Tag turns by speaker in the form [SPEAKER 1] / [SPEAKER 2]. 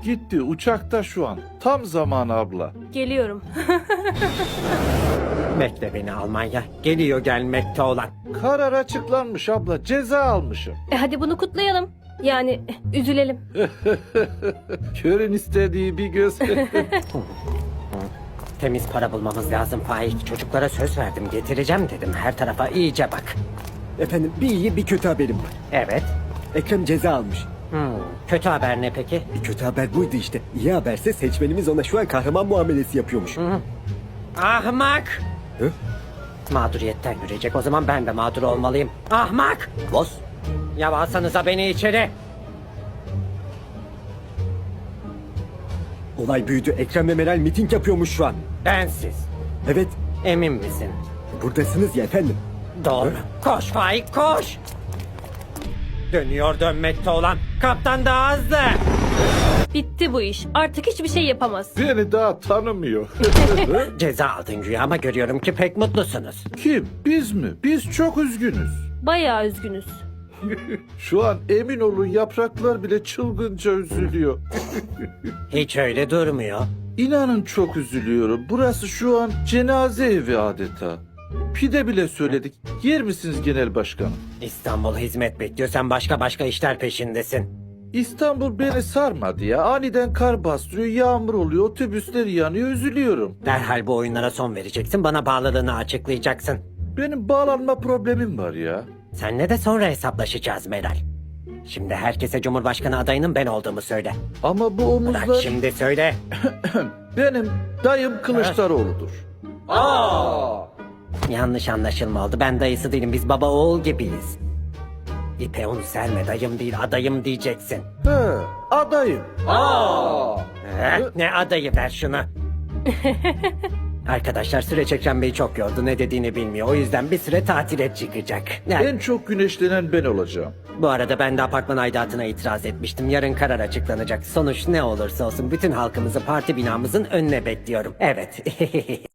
[SPEAKER 1] Gitti uçakta şu an. Tam zamanı abla.
[SPEAKER 2] Geliyorum.
[SPEAKER 3] Bekle beni Almanya. Geliyor gelmekte olan.
[SPEAKER 1] Karar açıklanmış abla. Ceza almışım.
[SPEAKER 2] Hadi bunu kutlayalım. Yani üzülelim.
[SPEAKER 1] Körün istediği bir göz.
[SPEAKER 3] Temiz para bulmamız lazım Faik. Çocuklara söz verdim, getireceğim dedim. Her tarafa iyice bak.
[SPEAKER 4] Efendim bir iyi bir kötü haberim var.
[SPEAKER 3] Evet.
[SPEAKER 4] Ekrem ceza almış.
[SPEAKER 3] Kötü haber ne peki?
[SPEAKER 4] Kötü haber buydu işte. İyi haberse seçmenimiz ona şu an kahraman muamelesi yapıyormuş.
[SPEAKER 3] Ahmak!
[SPEAKER 4] Hı?
[SPEAKER 3] Mağduriyetten yürüyecek. O zaman ben de mağdur olmalıyım. Ahmak!
[SPEAKER 4] Boz.
[SPEAKER 3] Ya alsanıza beni içeri.
[SPEAKER 4] Olay büyüdü. Ekrem ve Meral miting yapıyormuş şu an.
[SPEAKER 3] Bensiz.
[SPEAKER 4] Evet.
[SPEAKER 3] Emin misin?
[SPEAKER 4] Buradasınız ya efendim.
[SPEAKER 3] Doğru. Koş Faik koş. Dönüyor dönmekte olan. Kaptan daha hızlı.
[SPEAKER 2] Bitti bu iş. Artık hiçbir şey yapamaz.
[SPEAKER 1] Beni daha tanımıyor.
[SPEAKER 3] Ceza aldın güya ama görüyorum ki pek mutlusunuz.
[SPEAKER 1] Kim? Biz mi? Biz çok üzgünüz.
[SPEAKER 2] Bayağı üzgünüz.
[SPEAKER 1] Şu an emin olun yapraklar bile çılgınca üzülüyor.
[SPEAKER 3] Hiç öyle durmuyor.
[SPEAKER 1] İnanın çok üzülüyorum. Burası şu an cenaze evi adeta. Pide bile söyledik. Yer misiniz genel başkanım?
[SPEAKER 3] İstanbul hizmet bekliyor. Sen başka işler peşindesin.
[SPEAKER 1] İstanbul beni sarmadı ya. Aniden kar bastırıyor, yağmur oluyor, otobüsler yanıyor, üzülüyorum.
[SPEAKER 3] Derhal bu oyunlara son vereceksin. Bana bağlılığını açıklayacaksın.
[SPEAKER 1] Benim bağlanma problemim var ya.
[SPEAKER 3] Seninle de sonra hesaplaşacağız Meral. Şimdi herkese Cumhurbaşkanı adayının ben olduğumu söyle.
[SPEAKER 1] Ama bu
[SPEAKER 3] Bırak
[SPEAKER 1] omuzlar
[SPEAKER 3] şimdi söyle.
[SPEAKER 1] benim dayım Kılıçdaroğlu'dur.
[SPEAKER 3] Yanlış anlaşılma oldu. Ben dayısı değilim. Biz baba oğul gibiyiz. İpe un serme dayım değil adayım diyeceksin.
[SPEAKER 1] He, adayım.
[SPEAKER 3] Ne adayı ver şunu. Arkadaşlar süreç Ekrem Bey'i çok yordu. Ne dediğini bilmiyor. O yüzden bir süre tatile çıkacak. Yani,
[SPEAKER 1] En çok güneşlenen ben olacağım.
[SPEAKER 3] bu arada ben de apartman aidatına itiraz etmiştim. Yarın karar açıklanacak. Sonuç ne olursa olsun bütün halkımızı parti binamızın önüne bekliyorum. Evet.